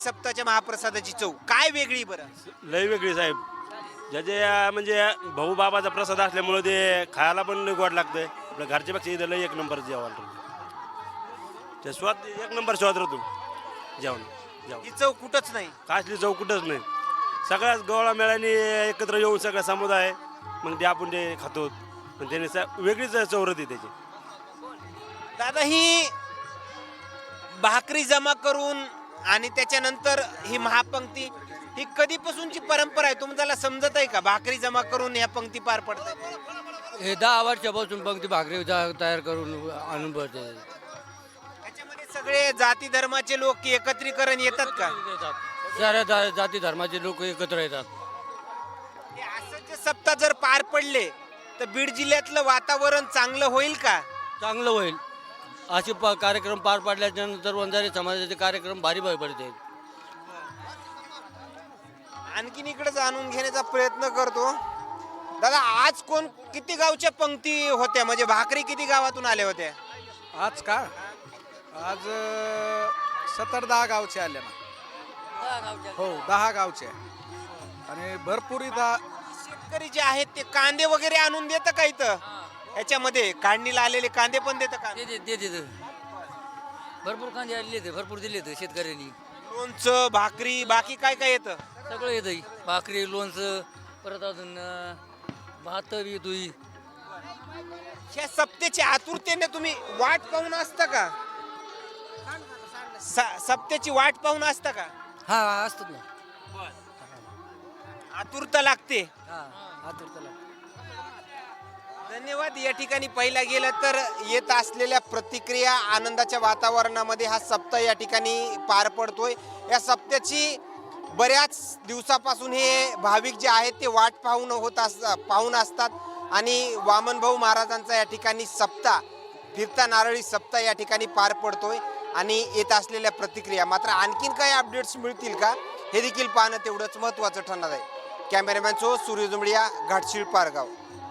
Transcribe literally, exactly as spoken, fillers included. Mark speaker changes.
Speaker 1: सप्ताच्या महाप्रसादाची चव काय वेगळी बरं?
Speaker 2: लय वेगळी साहेब. ज्याचे अं, म्हणजे भाऊ बाबाचा प्रसाद असल्यामुळे ते खायला पण गोड लागतंय. आपल्या घरच्यापेक्षा इथं लय एक नंबर जेवण राहतो. ते स्वाद एक नंबर स्वाद राहतो जेवण जेवण
Speaker 1: ही चव कुठंच नाही.
Speaker 2: कासली चव कुठंच नाही. सगळ्याच गोळा मेळाने एकत्र येऊन सगळा समुदाय मग ते आपण ते खातो. पण त्याने स- वेगळीच चव राहते त्याची.
Speaker 1: दादा ही भाकरी जमा करून आणि त्याच्यानंतर ही महापंक्ती ही कधीपासूनची परंपरा आहे तुम्हाला समजत आहे का? भाकरी जमा करून ह्या पंक्ती पार पडतात.
Speaker 3: हे दहा वर्षापासून पंक्ती भाकरी जा- तयार करून आणून पडते
Speaker 1: त्याच्यामध्ये सगळे जाती धर्माचे लोक एकत्रीकरण येतात का?
Speaker 3: साऱ्या जा- जाती धर्माचे लोक एकत्र येतात.
Speaker 1: हे असं जे सप्ताह जर पार पडले तर बीड जिल्ह्यातलं वातावरण चांगलं होईल का?
Speaker 3: चांगलं होईल. असे प कार्यक्रम पार पाडल्याच्या नंतर वंजारी समाजाचे कार्यक्रम भारी भारी पडते.
Speaker 1: आणखीन इकडे जाणून घेण्याचा प्रयत्न करतो. दादा आज कोण किती गावच्या पंक्ती होत्या म्हणजे भाकरी किती गावातून आल्या होत्या?
Speaker 4: आज का आज सत्तर दहा गावचे आले ना. हो दहा गावचे आणि भरपूर इथं
Speaker 1: शेतकरी जे आहेत ते कांदे वगैरे आणून देतं का इथं? ह्याच्यामध्ये काढणीला आलेले कांदे पण देतं का?
Speaker 3: देते देते भरपूर कांदे आलेले आहेत, भरपूर दिले आहेत शेतकऱ्यांनी.
Speaker 1: लोणचं भाकरी बाकी काय काय येतं?
Speaker 3: सगळं येतं. भाकरी लोणचं परत अजून अं, भात येतोय.
Speaker 1: ह्या सप्त्याची आतुरतेने तुम्ही वाट पाहून असता का? स- सप्त्याची वाट पाहून असता का?
Speaker 3: हा असतात ना.
Speaker 1: आतुरता लागते.
Speaker 3: हा आतुरताला.
Speaker 1: धन्यवाद. या ठिकाणी पहिला गेलं तर येत असलेल्या प्रतिक्रिया आनंदाच्या वातावरणामध्ये हा सप्ताह या ठिकाणी पार पडतोय. या सप्त्याची बऱ्याच दिवसापासून हे भाविक जे आहेत ते वाट पाहून होत अस पाहून असतात आणि वामनभाऊ महाराजांचा या ठिकाणी सप्ताह फिरता नारळी सप्ताह या ठिकाणी पार पडतोय आणि येत असलेल्या प्रतिक्रिया मात्र आणखीन काही अपडेट्स मिळतील का हे देखील पाहणं तेवढंच महत्त्वाचं ठरणार आहे. कॅमेरामॅन सो सूर्य जुंबडिया घाटशीळ पारगाव.